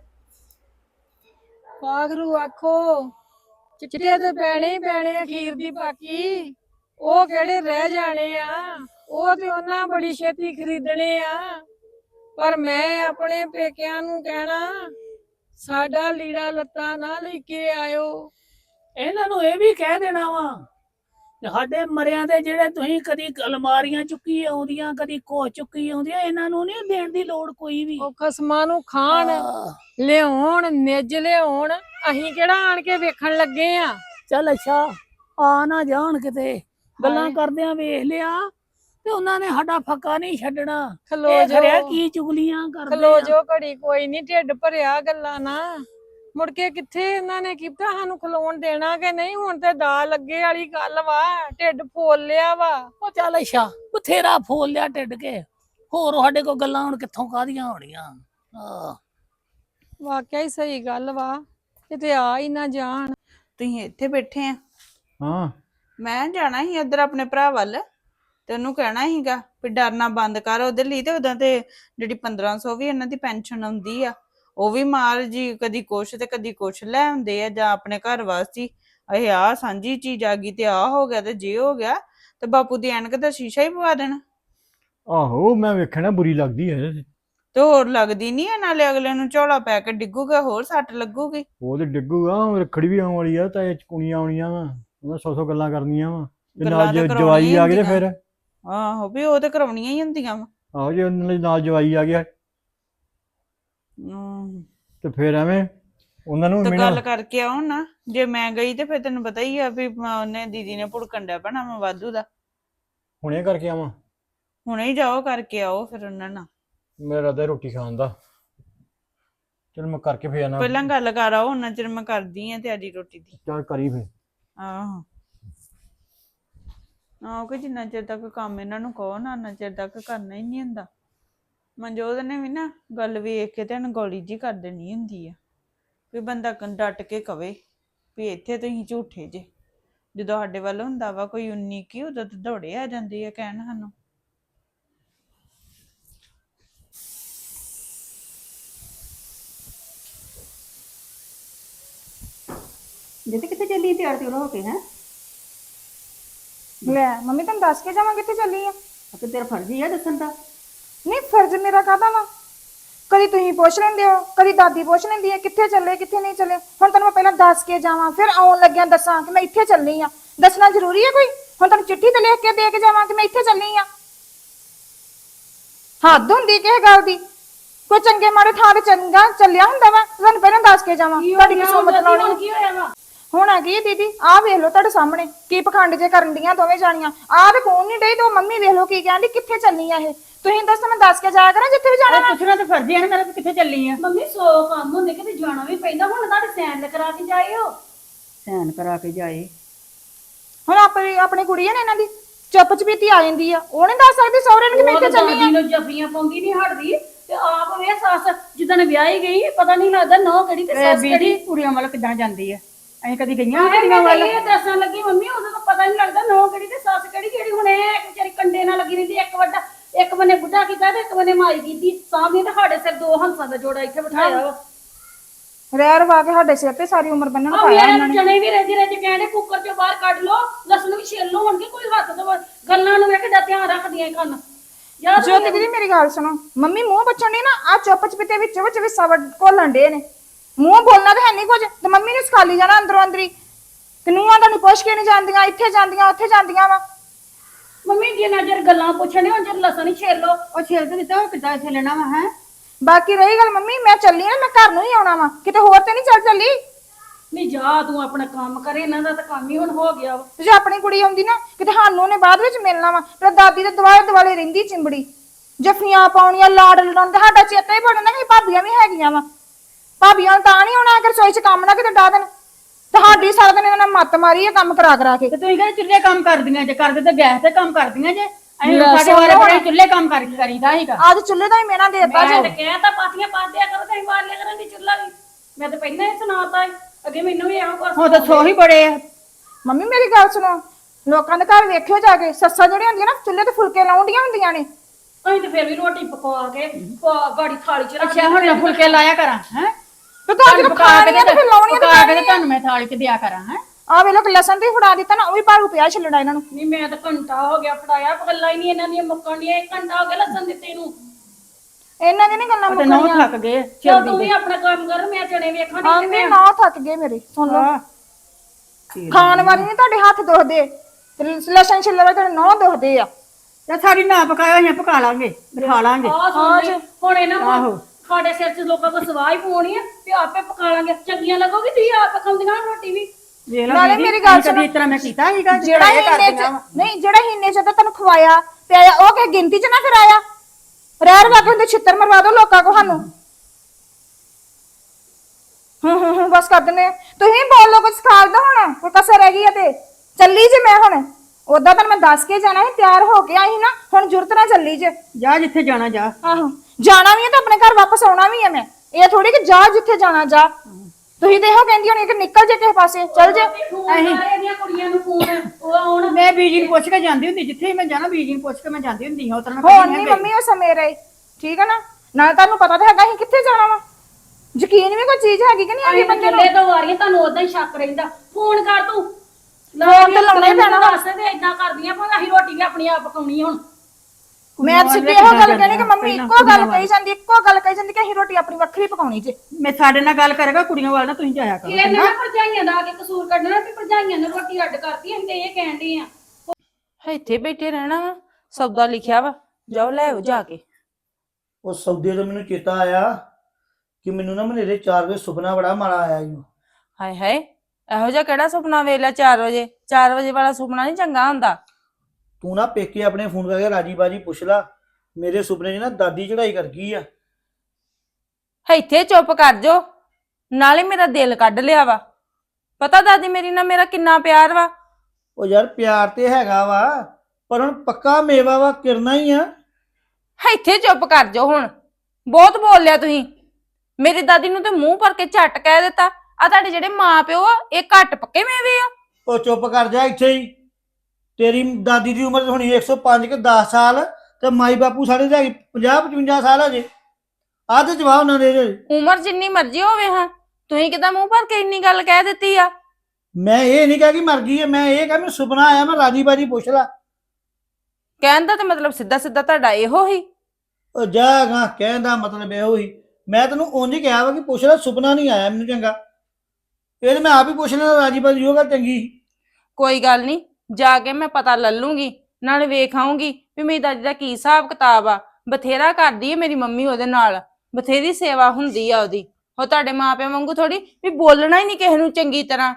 [SPEAKER 2] ਵਾਗਰੂ ਆਖੋ। ਚਿੱਟੇ ਤੇ ਪੈਣੇ ਹੀ ਪੈਣੇ ਆ ਖੀਰ ਦੀ ਬਾਕੀ। ਉਹ ਕਿਹੜੇ ਰਹਿ ਜਾਣੇ ਆ। ਉਹ ਤੇ ਉਹਨਾਂ ਬੜੀ ਛੇਤੀ ਖਰੀਦਣੇ ਆ। ਪਰ ਮੈਂ ਆਪਣੇ ਪੇਕਿਆਂ ਨੂੰ ਕਹਿਣਾ ਸਾਡਾ ਲੀੜਾ ਲੱਤਾ ਨਾ ਲੈ ਕੇ ਆਇਓ।
[SPEAKER 3] ਇਹਨਾਂ ਨੂੰ ਇਹ ਵੀ ਕਹਿ ਦੇਣਾ ਵਾ ਸਾਡੇ ਮਰਿਆਂ ਦੇ ਜਿਹੜੇ ਤੁਸੀਂ ਕਦੀ ਅਲਮਾਰੀਆਂ ਚੁੱਕੀ ਆਉਂਦੀਆਂ ਕਦੀ ਕੋਹ ਚੁੱਕੀ ਆਉਂਦੀਆਂ ਇਹਨਾਂ ਨੂੰ ਨਹੀਂ ਦੇਣ ਦੀ ਲੋੜ ਕੋਈ ਵੀ।
[SPEAKER 2] ਉਹ ਖਸਮਾਂ ਨੂੰ ਖਾਣ
[SPEAKER 3] ਆਹ,
[SPEAKER 2] ਲਿਆਉਣ ਨਿੱਜ ਲਿਆਉਣ ਅਸੀਂ ਕਿਹੜਾ ਆਣ ਕੇ ਵੇਖਣ ਲੱਗੇ ਆ।
[SPEAKER 3] ਚੱਲ ਅੱਛਾ ਆ ਨਾ ਜਾਣ ਕਿਤੇ ਗੱਲਾਂ
[SPEAKER 2] ਹਾਏ।
[SPEAKER 3] ਕਰਦਿਆਂ ਵੇਖ ਲਿਆ ਤੇ ਉਹਨਾਂ ਨੇ ਸਾਡਾ ਫੱਕਾ ਨਹੀਂ ਛੱਡਣਾ।
[SPEAKER 2] ਖਲੋ
[SPEAKER 3] ਇਹ ਖਰਿਆ
[SPEAKER 2] ਜੋ
[SPEAKER 3] ਕੀ ਚੁਗਲੀਆਂ ਕਰਦੇ
[SPEAKER 2] ਖਲੋ
[SPEAKER 3] ਆ।
[SPEAKER 2] ਜੋ ਘੜੀ ਕੋਈ ਨਹੀਂ ਢਿੱਡ ਭਰਿਆ ਗੱਲਾਂ ਨਾ। ਮੁੜ ਕੇ ਕਿੱਥੇ ਇਹਨਾਂ ਨੇ ਕੀਤਾ ਸਾਨੂੰ ਖਲੋਣ ਦੇਣਾ ਕਿ ਨਹੀਂ। ਹੁਣ ਤੇ ਦਾ ਲੱਗੇ ਵਾਲੀ ਗੱਲ ਵਾ। ਢਿੱਡ ਫੋਲ ਲਿਆ ਵਾ।
[SPEAKER 3] ਉਹ ਚੱਲ ਅੱਛਾ ਬਥੇਰਾ ਫੋਲ ਲਿਆ ਢਿੱਡ ਕੇ ਹੋਰ ਸਾਡੇ ਕੋਲ ਗੱਲਾਂ ਹੁਣ ਕਿੱਥੋਂ ਕਾਹਦੀਆਂ ਹੋਣੀਆਂ। ਆਹ
[SPEAKER 2] ਵਾਕਿਆ ਹੀ ਸਹੀ ਗੱਲ ਵਾ। ਕਿਤੇ ਆ ਹੀ ਨਾ ਜਾਣ।
[SPEAKER 5] ਤੁਸੀਂ ਇੱਥੇ ਬੈਠੇ ਆ।
[SPEAKER 6] ਹਾਂ
[SPEAKER 5] ਮੈਂ ਜਾਣਾ ਸੀ ਇੱਧਰ ਆਪਣੇ ਭਰਾ ਵੱਲ ਤੇ ਉਹਨੂੰ ਕਹਿਣਾ ਸੀਗਾ ਵੀ ਡਰਨਾ ਬੰਦ ਕਰ ਉਹਦੇ ਲਈ। ਤੇ ਉਦਾਂ ਤੇ ਜਿਹੜੀ ਪੰਦਰਾਂ ਸੌ ਵੀ ਇਹਨਾਂ ਦੀ ਪੈਨਸ਼ਨ ਆਉਂਦੀ ਆ ਉਹ ਵੀ ਮਾਰ ਜੀ ਕਦੀ ਕੁਛ ਤੇ ਕਦੀ ਕੁਛ ਲੈ ਆਉਂਦੇ ਆ ਜਾਂ ਆਪਣੇ ਘਰ ਵਾਸਤੇ ਇਹ ਆ ਸਾਂਝੀ ਚੀਜ਼ ਆ ਗਈ ਤੇ ਆ ਹੋ ਗਿਆ ਤੇ ਜੇ ਹੋ ਗਿਆ ਤੇ ਬਾਪੂ ਦੀ ਐਨਕ ਦਾ ਸ਼ੀਸ਼ਾ ਹੀ ਪਵਾ ਦੇਣਾ।
[SPEAKER 6] ਆਹੋ ਮੈਂ ਵੇਖਣਾ ਬੁਰੀ ਲੱਗਦੀ ਹੈ ਇਹਦੇ ਤੇ।
[SPEAKER 5] ਤੇ ਹੋਰ ਲੱਗਦੀ ਨਹੀਂ ਆ ਨਾਲੇ ਅਗਲੇ ਨੂੰ ਝੋਲਾ ਪੈ ਕੇ ਡਿੱਗੂਗਾ ਹੋਰ ਸੱਟ ਲੱਗੂਗੀ।
[SPEAKER 6] ਉਹ ਤੇ ਡਿੱਗੂਗਾ ਰੱਖੜੀ ਵੀ ਆਉਣ ਵਾਲੀ ਆ ਤਾਂ ਇਹ ਕੁੜੀਆਂ ਆਉਣੀਆਂ ਵਾ ਉਹਨਾਂ ਸੌ ਸੌ ਗੱਲਾਂ ਕਰਨੀਆਂ ਵਾ ਤੇ
[SPEAKER 5] ਗੱਲਾਂ
[SPEAKER 6] ਨਾਲ
[SPEAKER 5] ਤਾਂ
[SPEAKER 6] ਜੇ
[SPEAKER 5] ਕਰਾਉਣੀਆਂ
[SPEAKER 6] ਜਵਾਈ ਆ ਗਏ ਤੇ
[SPEAKER 5] ਹੁੰਦੀਆਂ।
[SPEAKER 6] ਫਿਰ
[SPEAKER 5] ਆਹੋ ਵੀ ਉਹ ਤੇ ਕਰਾਉਣੀਆਂ ਹੀ ਹੁੰਦੀਆਂ ਵਾ।
[SPEAKER 6] ਆਹੋ ਜੇ ਉਹਨਾਂ ਦੇ ਨਾਲ ਜਵਾਈ ਆ ਗਿਆ
[SPEAKER 5] ਹਮ
[SPEAKER 6] ਤੇ ਫਿਰ ਐਵੇਂ ਉਹਨਾਂ ਨੂੰ
[SPEAKER 5] ਤੇ
[SPEAKER 6] ਮਿਹਣਾ
[SPEAKER 5] ਗੱਲ ਕਰਕੇ ਆਓ ਨਾ। ਜੇ ਮੈਂ ਗਈ ਤੇ ਫਿਰ ਤੈਨੂੰ ਪਤਾ ਹੀ ਆ ਵੀ ਮ- ਉਹਨੇ ਦੀਦੀ ਨੇ ਭੁੜਕਣ ਡਿਆ ਪੈਣਾ ਮੈਂ ਵਾਧੂ ਦਾ।
[SPEAKER 6] ਹੁਣੇ ਕਰਕੇ ਆਵਾਂ।
[SPEAKER 5] ਹੁਣੇ ਹੀ ਜਾਓ ਕਰਕੇ ਆਓ ਫਿਰ ਉਹਨਾਂ ਨਾਲ।
[SPEAKER 6] ਮੇਰਾ ਤਾਂ ਰੋਟੀ ਖਾਣ ਦਾ ਚਲ ਮੈਂ ਕਰਕੇ ਫੇਰ ਆਣਾ।
[SPEAKER 5] ਪਹਿਲਾਂ ਗੱਲ ਕਰ ਆਓ ਉਹਨਾਂ ਚਿਰ ਮੈਂ ਕਰਦੀ ਆ ਤਿਆਰੀ ਰੋਟੀ ਦੀ।
[SPEAKER 6] ਚੱਲ ਕਰੀ ਫੇਰ।
[SPEAKER 5] ਆਹੋ ਆਹੋ ਕਿ ਜਿੰਨਾ ਚਿਰ ਤੱਕ ਕੰਮ ਇਹਨਾਂ ਨੂੰ ਕਹੋ ਨਾ ਉਹਨਾਂ ਚਿਰ ਤੱਕ ਕਰਨਾ ਹੀ ਨਹੀਂ ਹੁੰਦਾ। ਮਨਜੋਤ ਨੇ ਵੀ ਨਾ ਗੱਲ ਵੇਖ ਕੇ ਤੇ ਅਣਗੌਲੀ ਜੀ ਕਰ ਦੇਣੀ ਹੁੰਦੀ ਆ ਵੀ ਬੰਦਾ ਕ- ਡਟ ਕੇ ਕਵੇ ਵੀ ਇੱਥੇ ਤੁਸੀਂ ਝੂਠੇ ਜੇ। ਜਦੋਂ ਸਾਡੇ ਵੱਲ ਹੁੰਦਾ ਵਾ ਕੋਈ ਉਨੀ ਕੀ ਉਦੋਂ ਤਾਂ ਦੌੜੇ ਆ ਜਾਂਦੇ ਆ ਕਹਿਣ ਸਾਨੂੰ।
[SPEAKER 4] ਜਿੱਤੇ ਕਿੱਥੇ ਚੱਲੀ ਤਿਆਰ ਤਿਉਰ ਹੋ ਕੇ ਹੈ
[SPEAKER 7] ਲੈ ਮੰਮੀ ਤੈਨੂੰ ਦੱਸ ਕੇ ਜਾਵਾਂ ਕਿੱਥੇ ਚੱਲੀ ਆ।
[SPEAKER 4] ਕਿ ਤੇਰਾ ਫਰਜ਼ ਹੀ ਆ ਦੱਸਣ ਦਾ।
[SPEAKER 7] ਨਹੀਂ ਫਰਜ਼ ਮੇਰਾ ਕਾਹਦਾ ਵਾ। ਕਦੀ ਤੁਸੀਂ ਪੁੱਛ ਲੈਂਦੇ ਹੋ ਕਦੀ ਦਾਦੀ ਪੁੱਛ ਲੈਂਦੀ ਹੈ ਕਿੱਥੇ ਚੱਲੇ ਕਿੱਥੇ ਨਹੀਂ ਚੱਲੇ। ਹੁਣ ਤੈਨੂੰ ਮੈਂ ਪਹਿਲਾਂ ਦੱਸ ਕੇ ਜਾਵਾਂ ਫਿਰ ਆਉਣ ਲੱਗਿਆ ਦੱਸਾਂ ਕਿ ਮੈਂ ਇੱਥੇ ਚੱਲੀ ਆ। ਦੱਸਣਾ ਜ਼ਰੂਰੀ ਹੈ ਕੋਈ। ਹੁਣ ਤੈਨੂੰ ਚਿੱਠੀ ਤੇ ਲਿਖ ਕੇ ਦੇ ਕੇ ਜਾਵਾਂ ਕਿ ਮੈਂ ਇੱਥੇ ਚੱਲੀ ਆ। ਹੱਦ ਹੁੰਦੀ ਕਿਸੇ ਗੱਲ ਦੀ। ਕੋਈ ਚੰਗੇ ਮਾੜੇ ਥਾਂ ਤੇ ਚੰਗਾ ਚੱਲਿਆ ਹੁੰਦਾ ਵਾ ਤੁਹਾਨੂੰ ਪਹਿਲਾਂ ਦੱਸ ਕੇ ਜਾਵਾਂ। ਤੁਹਾਡੀ ਕਿਸਮਤ ਲਾਉਣੀ
[SPEAKER 1] ਕੀ ਹੋਇਆ ਵਾ
[SPEAKER 7] ਹੁਣ ਆ ਗਈ ਦੀਦੀ ਆਹ ਵੇਖ ਲਓ ਤੁਹਾਡੇ ਸਾਹਮਣੇ ਕੀ ਪਖੰਡ ਜੇ ਕਰਨ ਦੀਆਂ ਦੋਵੇਂ ਜਾਣੀਆਂ। ਆਹ ਤੇ ਫੋਨ ਨਹੀਂ ਡਈ ਤੇ ਉਹ ਮੰਮੀ ਵੇਖ ਲਓ ਕੀ ਕਹਿੰਦੀ ਕਿੱਥੇ ਚੱਲੀ ਆ ਇਹ। ਤੁਸੀਂ ਦੱਸੋ ਮੈਂ ਦੱਸ ਕੇ ਜਾਇਆ ਕਰਾਂ ਜਿੱਥੇ ਵੀ ਜਾਣਾ ਵਾ।
[SPEAKER 4] ਪੁੱਛਣਾ ਤੇ ਫਰਜ਼ ਹੀ ਆ ਨਾ ਮੇਰਾ ਵੀ ਕਿੱਥੇ ਚੱਲੀ ਆ।
[SPEAKER 1] ਮੰਮੀ ਸੌ ਕੰਮ ਹੁੰਦੇ ਕਿਤੇ ਜਾਣਾ ਵੀ ਪੈਂਦਾ ਹੁਣ ਤੁਹਾਡੇ ਸੈਨ ਕਰਾ ਕੇ ਜਾਇਓ।
[SPEAKER 4] ਸੈਨ ਕਰਾ ਕੇ ਜਾਏ।
[SPEAKER 7] ਹੁਣ ਆਪਣੀ ਆਪਣੀ ਕੁੜੀ ਹੈ ਨਾ ਇਹਨਾਂ ਦੀ ਚੁੱਪ ਚਪੀਤੀ ਆ ਜਾਂਦੀ ਆ ਉਹ ਨਹੀਂ ਦੱਸ ਸਕਦੀ ਸਹੁਰੇ ਨੂੰ ਕਿ ਮੈਂ
[SPEAKER 1] ਉਹ
[SPEAKER 7] ਇੱਥੇ
[SPEAKER 1] ਤਾਂ
[SPEAKER 7] ਚੱਲੀ ਆ
[SPEAKER 1] ਦਾਦੀ ਨੂੰ ਜੱਫੀਆਂ ਪਾਉਂਦੀ ਨਹੀਂ ਹਟਦੀ ਤੇ ਆਪ ਵੇ ਸੱਸ ਜਿੱਦਣ ਵਿਆਹੀ ਗਈ ਪਤਾ ਨਹੀਂ ਲੱਗਦਾ ਨੌ ਕਿਹੜੀ ਤੇ ਸੱਸ
[SPEAKER 4] ਬੀਜੀ
[SPEAKER 1] ਕਿਹੜੀ।
[SPEAKER 4] ਕੁੜੀਆਂ ਵੱਲ ਕਿੱਦਾਂ ਜਾਂਦੀ ਆ ਅਸੀਂ ਕਦੀ ਗਈਆਂ
[SPEAKER 1] ਮੈਂ
[SPEAKER 4] ਕੁੜੀਆਂ ਵੱਲ
[SPEAKER 1] ਇਹ ਦੱਸਣ ਲੱਗੀ ਮੰਮੀ ਉਦੋਂ ਤਾਂ ਪਤਾ ਨਹੀਂ ਲੱਗਦਾ ਨੌ ਕਿਹੜੀ ਤੇ ਸੱਸ ਕਿਹੜੀ ਜਿਹੜੀ ਹੁਣ ਇਹ ਇੱਕ ਵਿਚਾਰੀ ਕੰਡੇ ਨਾਲ ਲੱਗੀ ਰਹਿੰਦੀ ਇੱਕ ਵੱਡਾ ਇੱਕ ਬੰਨੇ ਬੁੱਢਾ ਕੀਤਾ ਤੇ ਇੱਕ ਬੰਨੇ ਮਾਈ ਕੀਤੀ ਸਾਹਮਣੇ ਤੇ ਸਾਡੇ ਸਿਰ ਦੋ ਹੰਸਾਂ ਦਾ ਜੋੜਾ ਇੱਥੇ ਬਿਠਾਇਆ ਵਾ
[SPEAKER 7] ਰਹਿ ਰਵਾ ਕੇ ਸਾਡੇ ਸਿਰ ਤੇ ਸਾਰੀ ਉਮਰ ਬੰਨਣ
[SPEAKER 1] ਆ
[SPEAKER 7] ਪਾਇਆ
[SPEAKER 1] ਮੇਰੇ
[SPEAKER 7] ਇਹਨਾਂ ਨੇ
[SPEAKER 1] ਚਣੇ ਵੀ ਰੇਜੀ ਰੇਜੀ ਕਹਿੰਦੇ ਕੁੱਕਰ ਚੋਂ ਬਾਹਰ ਕੱਢ ਲੋ ਲਸਣ ਵੀ ਛਿੱਲ ਲੋ ਹੋਣਗੇ ਕੋਈ ਹੱਥ ਤੋਂ ਗੱਲਾਂ ਨੂੰ ਵੇਖ ਕਿੱਡਾ ਧਿਆਨ ਰੱਖਦੀਆਂ ਇਹ ਕੰਨ ਯਾਦ
[SPEAKER 7] ਜੋਤ ਦੀਦੀ ਮੇਰੀ ਗੱਲ ਸੁਣੋ ਮੰਮੀ ਮੂੰਹ ਬੱਚਣ ਦੀ ਨਾ ਆ ਚੁੱਪ ਚਪੀਤੇ ਵਿੱਚ ਵਿੱਚ ਵਿਸਾ ਵੱਡ ਘੋਲਣ ਡੇ ਨੇ ਮੂੰਹ ਬੋਲਣਾ ਤਾਂ ਹੈ ਨਹੀਂ ਕੁਝ ਤੇ ਮੰਮੀ ਨੇ ਸਿਖਾਲੀ ਜਾਣਾ ਅੰਦਰੋਂ ਅੰਦਰੀ ਤੇ ਨੂੰਹਾਂ ਦਾ ਨਹੀਂ ਪੁੱਛ ਕੇ ਨਹੀਂ ਜਾਂਦੀਆਂ ਇੱਥੇ ਜਾਂਦੀਆਂ ਉੱਥੇ ਜਾਂਦੀਆਂ ਵਾ
[SPEAKER 1] ਮੰਮੀ ਜੇ ਨਜ਼ਰ ਗੱਲਾਂ ਪੁੱਛਣੇ ਹੁਣ ਜੇ ਲਸਣ ਹੀ ਛਿੱਲ ਲੋ
[SPEAKER 4] ਉਹ ਛੇਲ ਤੇ ਦਿੱਤਾ ਉਹ ਕਿੱਦਾਂ ਛੇਲਣਾ ਵਾ ਹੈ
[SPEAKER 7] ਬਾਕੀ ਰਹੀ ਗੱਲ ਮੰਮੀ ਮੈਂ ਚੱਲੀ ਆ ਮੈਂ ਘਰ ਨੂੰ ਹੀ ਆਉਣਾ ਵਾ ਕਿਤੇ ਹੋਰ ਤੇ ਨਹੀਂ ਚੱਲ ਚੱਲੀ
[SPEAKER 1] ਨਹੀਂ ਜਾ ਤੂੰ ਆਪਣਾ ਕੰਮ ਕਰੇ ਇਹਨਾਂ ਦਾ ਤਾਂ ਕੰਮ ਹੀ ਹੁਣ ਹੋ ਗਿਆ ਵਾ
[SPEAKER 7] ਤੇ ਜੇ ਆਪਣੀ ਕੁੜੀ ਆਉਂਦੀ ਨਾ ਕਿਤੇ ਸਾਨੂੰ ਨੇ ਬਾਅਦ ਵਿੱਚ ਮਿਲਣਾ ਵਾ ਤੇ ਦਾਦੀ ਦੇ ਦੁਆਲੇ ਦੁਆਲੇ ਰਹਿੰਦੀ ਚਿੰਬੜੀ ਜਫੀਆਂ ਪਾਉਣੀਆਂ ਲਾੜ ਲੜਾਉਣ ਤੇ ਸਾਡਾ ਚੇਤਾ ਹੀ ਬਣਨਾ ਕਿ ਭਾਬੀਆਂ ਵੀ ਹੈਗੀਆਂ ਵਾ ਭਾਬੀਆਂ ਨੂੰ ਤਾਂ ਨਹੀਂ ਆਉਣਾ ਅਗਰ ਰਸੋਈ 'ਚ ਕੰਮ ਨਾ ਕਿਤੇ ਡਾ ਦੇਣ ਤੁਹਾਡੀ ਸਾਰਾ ਦਿਨ ਇਹਨਾਂ ਨੇ ਮੱਤ ਮਾਰੀ ਆ ਕੰਮ ਕਰਾ ਕਰਾ ਕੇ
[SPEAKER 4] ਤੇ ਤੁਸੀਂ ਕਹਿੰਦੇ ਚੁੱਲ੍ਹੇ ਕੰਮ ਕਰਦੀਆਂ ਜੇ ਕਰਦੇ ਤੇ ਗੈਸ ਤੇ ਕੰਮ ਕਰਦੀਆਂ ਜੇ ਅਸੀਂ
[SPEAKER 7] ਲੈ
[SPEAKER 4] ਸਾਡੇ ਵਾਲੇ ਬੜੇ ਚੁੱਲ੍ਹੇ ਕੰਮ ਕਰ ਕਰੀਦਾ ਸੀਗਾ
[SPEAKER 7] ਅੱਜ ਚੁੱਲ੍ਹੇ ਦਾ ਹੀ ਮੇਣਾ ਦੇਤਾ
[SPEAKER 1] ਮੈਂ
[SPEAKER 7] ਜੇ
[SPEAKER 1] ਤਾਂ ਕਹਿ ਤਾਂ ਪਾਥੀਆਂ ਪਾ ਦਿਆ ਕਰੋ ਤੇ ਮਾਰ ਲਿਆ ਕਰਾਂਗੇ ਚੁੱਲ੍ਹਾ ਵੀ ਮੈਂ ਤਾਂ ਪਹਿਲਾਂ ਹੀ ਸੁਣਾਤਾ ਸੀ। ਅੱਗੇ ਮੈਨੂੰ ਵੀ ਇਹੋ ਕੁਛ
[SPEAKER 4] ਹੁਣ ਤਾਂ ਸੋ ਹੀ ਬੜੇ ਆ
[SPEAKER 7] ਮੰਮੀ ਮੇਰੀ ਗੱਲ ਸੁਣੋ ਲੋਕਾਂ ਦੇ ਘਰ ਵੇਖਿਓ ਜਾ ਕੇ ਸੱਸਾਂ ਜਿਹੜੀਆਂ ਹੁੰਦੀਆਂ ਨਾ ਚੁੱਲ੍ਹੇ ਤੇ ਫੁਲਕੇ ਲਾਉਂਦੀਆਂ ਹੁੰਦੀਆਂ ਨੇ
[SPEAKER 1] ਅਸੀਂ ਤੇ ਫਿਰ ਵੀ ਰੋਟੀ ਪਕਵਾ ਕੇ ਪ- ਗਾੜੀ ਥਾਲੀ 'ਚ ਰੱਖ
[SPEAKER 4] ਅੱਛਾ ਹੁਣ ਮੈਂ ਫੁਲਕੇ ਲਾਇਆ ਕਰਾਂ ਹੈ
[SPEAKER 7] ਤੇ ਤਾਂ ਜਦੋਂ ਖਾਣੀਆਂ ਤੇ ਫਿਰ ਲਾਉਣੀਆਂ ਤੇ
[SPEAKER 4] ਪਕਾ ਕੇ ਤੇ ਤੁਹਾਨੂੰ ਮੈਂ ਥਾਲੀ 'ਚ ਦਿਆ ਕਰਾਂ ਹੈ
[SPEAKER 7] ਆ ਵੇ ਲੋਕ ਲਸਣ ਤੇ ਫੜਾ ਦਿੱਤਾ ਨਾ ਉਹ ਵੀ ਭਾਰੂ ਪਿਆ ਛੱਲਣਾ ਇਹਨਾਂ ਨੂੰ
[SPEAKER 1] ਨਹੀਂ ਮੈਂ ਤਾਂ ਘੰਟਾ ਹੋ ਗਿਆ ਫੜਾਇਆ ਗੱਲਾਂ ਹੀ ਨਹੀਂ ਇਹਨਾਂ ਦੀਆਂ ਮੁੱਕਣ ਦੀਆਂ ਇੱਕ ਘੰਟਾ ਹੋ ਗਿਆ ਲਸਣ ਦਿੱਤੇ ਨੂੰ
[SPEAKER 7] ਇਹਨਾਂ ਦੀ ਨਹੀਂ ਗੱਲਾਂ
[SPEAKER 4] ਤੇ ਨੌ
[SPEAKER 7] ਮੁੱਕਣੀਆਂ
[SPEAKER 4] ਥੱਕ ਗਏ
[SPEAKER 1] ਚਲ ਤੂੰ ਵੀ ਆਪਣਾ ਕੰਮ ਕਰ ਮੈਂ ਚਣੇ ਵੇਖਾਂ
[SPEAKER 7] ਹਾਂ
[SPEAKER 1] ਨਹੀਂ
[SPEAKER 7] ਵੀ ਨਾ ਥੱਕ ਗਏ ਮੇਰੇ ਸੁਣ ਲਓ
[SPEAKER 4] ਹਾਂ
[SPEAKER 7] ਖਾਣ ਵਾਲੀ ਨਹੀਂ ਤੁਹਾਡੇ ਹੱਥ ਦੁਖਦੇ ਤੇ ਲਸਣ ਛਿੱਲਣ ਵਾਲੇ ਤੁਹਾਡੇ ਨੌ ਦੁਖਦੇ ਆ
[SPEAKER 4] ਤੇ ਸਾਰੀ ਨਾ ਪਕਾਇਆ ਹੋਈਆਂ ਪਕਾ ਲਾਂਗੇ ਦਿਖਾ ਲਾਂਗੇ
[SPEAKER 1] ਆ ਸੁਣ ਲਈ, ਹੁਣ ਇਹਨਾਂ ਨੂੰ ਸਾਡੇ ਸਿਰ 'ਚ ਲੋਕਾਂ ਕੋਲ ਸਵਾਹ ਹੀ ਪਾਉਣੀ ਆ ਤੇ ਆਪੇ ਪਕਾ ਲਾਂਗੇ ਚੰਗੀਆਂ ਲੱਗੋਗੀ ਤੁਸੀਂ ਆਪ ਪਕਾਉਂਦੀਆਂ ਰੋਟੀ ਵੀ
[SPEAKER 4] ਵੇਖ ਲਓ
[SPEAKER 7] ਨਾਲੇ
[SPEAKER 4] ਦੀਦੀ,
[SPEAKER 7] ਮੇਰੀ ਗੱਲ
[SPEAKER 4] ਕਦੀ ਇਸ ਤਰ੍ਹਾਂ ਮੈਂ ਕੀਤਾ ਸੀਗਾ
[SPEAKER 7] ਜਿਹੜਾ
[SPEAKER 4] ਇਹ
[SPEAKER 7] ਹੀਨੇ
[SPEAKER 4] ਕਰਦੀਆਂ
[SPEAKER 7] ਚ
[SPEAKER 4] ਵਾਂ।
[SPEAKER 7] ਨਹੀਂ ਜਿਹੜਾ ਹੀਨੇ ਚ ਤਾਂ ਤੁਹਾਨੂੰ ਖਵਾਇਆ ਪਿਆਇਆ ਉਹ ਕਿ ਗਿਣਤੀ ਚ ਨਾ ਫਿਰ ਆਇਆ ਰਹਿ ਰਵਾ ਕੇ ਹੁੰਦੇ ਛਿੱਤਰ ਮਰਵਾ ਦੋ ਲੋਕਾਂ ਕੋ ਸਾਨੂੰ ਹੂੰ ਹੂੰ ਹੂੰ ਬਸ ਕਰ ਦਿੰਦੇ ਆ। ਤੁਸੀਂ ਬੋਲੋ ਕੁਝ ਸਿਖਾ ਦੋ ਹੁਣ ਕੋਈ ਕਸਰ ਰਹਿ ਗਈ ਆ ਤੇ ਚੱਲੀ ਜੇ ਮੈਂ ਹੁਣ ਉਦਾਂ ਤਾਂ ਮੈਂ ਦੱਸ ਕੇ ਜਾਣਾ ਸੀ ਤਿਆਰ ਹੋ ਕੇ ਆਈ ਨਾ ਹੁਣ ਜ਼ਰੂਰਤ ਨਾ ਚੱਲੀ ਜੇ
[SPEAKER 4] ਜਾ ਜਿੱਥੇ ਜਾਣਾ ਜਾ
[SPEAKER 7] ਆਹੋ ਜਾਣਾ ਵੀ ਹੈ ਤਾਂ ਆਪਣੇ ਘਰ ਵਾਪਸ ਆਉਣਾ ਵੀ ਹੈ ਮੈਂ ਇਹ ਥੋੜੀ ਕਿ ਜਾ ਜਿੱਥੇ ਜਾਣਾ ਜਾ ਤੁਸੀਂ ਤੇ ਇਹੋ ਕਹਿੰਦੀ ਹੋਣੀ ਕਿ ਨਿਕਲ ਜੇ ਕਿਸੇ ਪਾਸੇ ਚੱਲ ਜੇ
[SPEAKER 1] ਅਸੀਂ ਦੀਆਂ ਕੁੜੀਆਂ ਨੂੰ ਫੋਨ ਉਹ ਆਉਣ
[SPEAKER 4] ਮੈਂ ਬੀਜੀ ਨੂੰ ਪੁੱਛ ਕੇ ਜਾਂਦੀ ਹੁੰਦੀ ਜਿੱਥੇ ਵੀ ਮੈਂ ਜਾਣਾ ਬੀਜੀ ਨੂੰ ਪੁੱਛ ਕੇ ਮੈਂ ਜਾਂਦੀ ਹੁੰਦੀ ਹਾਂ ਉਤਰ ਮੈਂ
[SPEAKER 7] ਹੁਣ
[SPEAKER 4] ਕਦੀ
[SPEAKER 7] ਨਹੀਂ
[SPEAKER 4] ਨਹੀਂ
[SPEAKER 7] ਮੰਮੀ ਉਹ ਸਮੇਂ ਰਹੇ ਠੀਕ ਹੈ ਨਾ ਨਾਲ ਤੁਹਾਨੂੰ ਪਤਾ ਤਾਂ ਹੈਗਾ ਅਸੀਂ ਕਿੱਥੇ ਜਾਣਾ ਵਾ ਯਕੀਨ ਵੀ ਕੋਈ ਚੀਜ਼ ਹੈਗੀ ਕਿ ਨਹੀਂ ਹੈਗੀ
[SPEAKER 1] ਅਸੀਂ
[SPEAKER 7] ਬੰਦੇ ਨੂੰ
[SPEAKER 1] ਚੱਲੇ ਤੋਂ ਵਾਰੀਆਂ ਤੁਹਾਨੂੰ ਉਦਾਂ ਹੀ ਸ਼ੱਕ ਰਹਿੰਦਾ ਫੋਨ ਕਰ ਤੂੰ
[SPEAKER 7] ਫੋਨ ਤੇ ਲਾਉਣਾ ਹੀ ਪੈਣਾ ਵਾ।
[SPEAKER 1] ਦੱਸ ਤੇ ਇਦਾਂ ਕਰਦੀਆਂ ਪਰ ਅਸੀਂ ਰੋਟੀ ਵੀ ਆਪਣੀ ਆਪ ਪਕਾਉਣੀ ਹੁਣ
[SPEAKER 7] ਮੈਂ ਤਾਂ ਸਿੱਧੀ ਇਹੋ ਗੱਲ ਕਹਿਣੀ ਕਿ ਮੰਮੀ ਇੱਕੋ ਗੱਲ ਕਹੀ ਜਾਂਦੀ ਇੱਕੋ ਗੱਲ ਕਹੀ ਜਾਂਦੀ ਕਿ ਅਸੀਂ ਰੋਟੀ ਆਪਣੀ ਵੱਖਰੀ ਪਕਾਉਣੀ ਜੇ
[SPEAKER 4] ਮੈਂ ਸਾਡੇ ਨਾਲ ਗੱਲ ਕਰੇਗਾ ਕੁੜੀਆਂ ਵਾਲ ਨਾਲ ਤੁਸੀਂ ਜਾਇਆ ਕਰੋ
[SPEAKER 1] ਇਹ ਨਾ ਭਰਜਾਈਆਂ ਦਾ ਆ ਕੇ ਕਸੂਰ ਕੱਢਣਾ ਵੀ ਭਰਜਾਈਆਂ ਨੇ ਰੋਟੀ ਅੱਡ ਕਰਤੀ ਅਸੀਂ ਤੇ ਇਹ ਕਹਿੰਦੇ ਆ
[SPEAKER 5] ਇੱਥੇ ਬੈਠੇ ਰਹਿਣਾ ਵਾ ਸੌਦਾ ਲਿਖਿਆ ਵਾ ਜਾਓ ਲੈ ਆਓ ਜਾ ਕੇ
[SPEAKER 8] ਉਹ ਸੌਦੇ ਤੋਂ ਮੈਨੂੰ ਚੇਤਾ ਆਇਆ ਕਿ ਮੈਨੂੰ ਨਾ ਮਨੇਰੇ ਚਾਰ ਵਜੇ ਸੁਪਨਾ ਬੜਾ ਮਾੜਾ ਆਇਆ ਈ ਓ।
[SPEAKER 5] ਹਾਏ ਹਾਏ ਇਹੋ ਜਿਹਾ ਕਿਹੜਾ ਸੁਪਨਾ ਵੇਖ ਲਿਆ ਚਾਰ ਵਜੇ ਚਾਰ ਵਜੇ ਵਾਲਾ ਸੁਪਨਾ ਨਹੀਂ ਚੰਗਾ ਹੁੰਦਾ
[SPEAKER 8] ਤੂੰ ਨਾ ਪੇਕੇ ਆਪਣੇ ਫੋਨ ਕਰਕੇ ਰਾਜੀ ਬਾਜੀ ਪੁੱਛ ਲਾ ਮੇਰੇ ਸੁਪਨੇ 'ਚ ਨਾ ਦਾਦੀ ਚੜਾਈ ਕਰ ਗਈ ਆ।
[SPEAKER 5] ਇੱਥੇ ਚੁੱਪ ਕਰ ਜੋ ਨਾਲੇ ਮੇਰਾ ਦਿਲ ਕੱਢ ਲਿਆ ਵਾ ਪਤਾ ਦਾਦੀ ਮੇਰੀ ਨਾਲ ਮੇਰਾ ਕਿੰਨਾ ਪਿਆਰ ਵਾ
[SPEAKER 8] ਉਹ ਯਾਰ ਪਿਆਰ ਤੇ ਹੈਗਾ ਵਾ ਪਰ ਹੁਣ ਪੱਕਾ ਮੇਵਾ ਵਾ ਕਿਰਨਾ ਹੀ ਆ।
[SPEAKER 5] ਇੱਥੇ ਚੁੱਪ ਕਰ ਜੋ ਹੁਣ ਬਹੁਤ ਬੋਲ ਲਿਆ ਤੁਸੀਂ ਮੇਰੀ ਦਾਦੀ ਨੂੰ ਤੇ ਮੂੰਹ ਭਰ ਕੇ ਝੱਟ ਕਹਿ ਦਿੱਤਾ ਆ ਤੁਹਾਡੇ ਜਿਹੜੇ ਮਾਂ ਪਿਓ ਆ ਇਹ ਘੱਟ ਪੱਕੇ ਮੇਵੇ ਆ
[SPEAKER 8] ਉਹ ਚੁੱਪ ਕਰ ਜਾ ਇੱਥੇ ਹੀ ਤੇਰੀ ਦਾਦੀ ਦੀ ਉਮਰ ਹੋਣੀ ਇੱਕ ਸੌ ਪੰਜ ਕਿ ਦਸ ਸਾਲ ਤੇ ਮਾਈ ਬਾਪੂ ਸਾਡੇ ਦੇ ਪੰਜਾਹ ਪਚਵੰਜਾ ਸਾਲ ਹਜੇ ਆਹ ਤੇ ਜਵਾਬ ਨਾ ਦੇ ਦੇ
[SPEAKER 5] ਉਮਰ ਜਿੰਨੀ ਮਰਜ਼ੀ ਹੋਵੇ ਹਾਂ ਤੁਸੀਂ ਕਿਦਾਂ ਮੂੰਹ ਭਰ ਕੇ ਇੰਨੀ ਗੱਲ ਕਹਿ ਦਿੱਤੀ ਆ
[SPEAKER 8] ਮੈਂ ਇਹ ਨਹੀਂ ਕਿਹਾ ਕਿ ਮਰ ਗਈ ਹੈ ਮੈਂ ਇਹ ਕਿਹਾ ਮੈਨੂੰ ਸੁਪਨਾ ਆਇਆ ਮੈਂ ਰਾਜੀ ਬਾਜੀ ਪੁੱਛ ਲਾ
[SPEAKER 5] ਕਹਿਣ ਦਾ ਤੇ ਮਤਲਬ ਸਿੱਧਾ ਸਿੱਧਾ ਤੁਹਾਡਾ ਇਹੋ ਹੀ
[SPEAKER 8] ਉਹ ਜਾਗਾ ਕਹਿਣ ਦਾ ਮਤਲਬ ਇਹੋ ਹੀ ਮੈਂ ਤੈਨੂੰ ਉਂਝ ਹੀ ਕਿਹਾ ਵਾ ਕਿ ਪੁੱਛ ਲੈ ਸੁਪਨਾ ਨਹੀਂ ਆਇਆ ਮੈਨੂੰ ਚੰਗਾ ਇਹ ਤੇ ਮੈਂ ਆਪ ਹੀ ਪੁੱਛ ਲੈਣਾ ਰਾਜੀ ਬਾਜੀ ਉਹ ਗੱਲ ਚੰਗੀ ਸੀ।
[SPEAKER 5] ਕੋਈ ਗੱਲ ਨਹੀਂ ਜਾ ਕੇ ਮੈਂ ਪਤਾ ਲੈ ਲੂੰਗੀ ਨਾਲੇ ਵੇਖ ਆਊਂਗੀ ਵੀ ਮੇਰੀ ਦਾਦੀ ਦਾ ਕੀ ਹਿਸਾਬ ਕਿਤਾਬ ਆ ਬਥੇਰਾ ਕਰਦੀ ਹੈ ਮੇਰੀ ਮੰਮੀ ਉਹਦੇ ਨਾਲ ਬਥੇਰੀ ਸੇਵਾ ਹੁੰਦੀ ਆ ਉਹਦੀ ਉਹ ਤੁਹਾਡੇ ਮਾਪਿਆਂ ਵਾਂਗੂ ਥੋੜੀ ਵੀ ਬੋਲਣਾ ਹੀ ਨਹੀਂ ਕਿਸੇ ਨੂੰ ਚੰਗੀ ਤਰ੍ਹਾਂ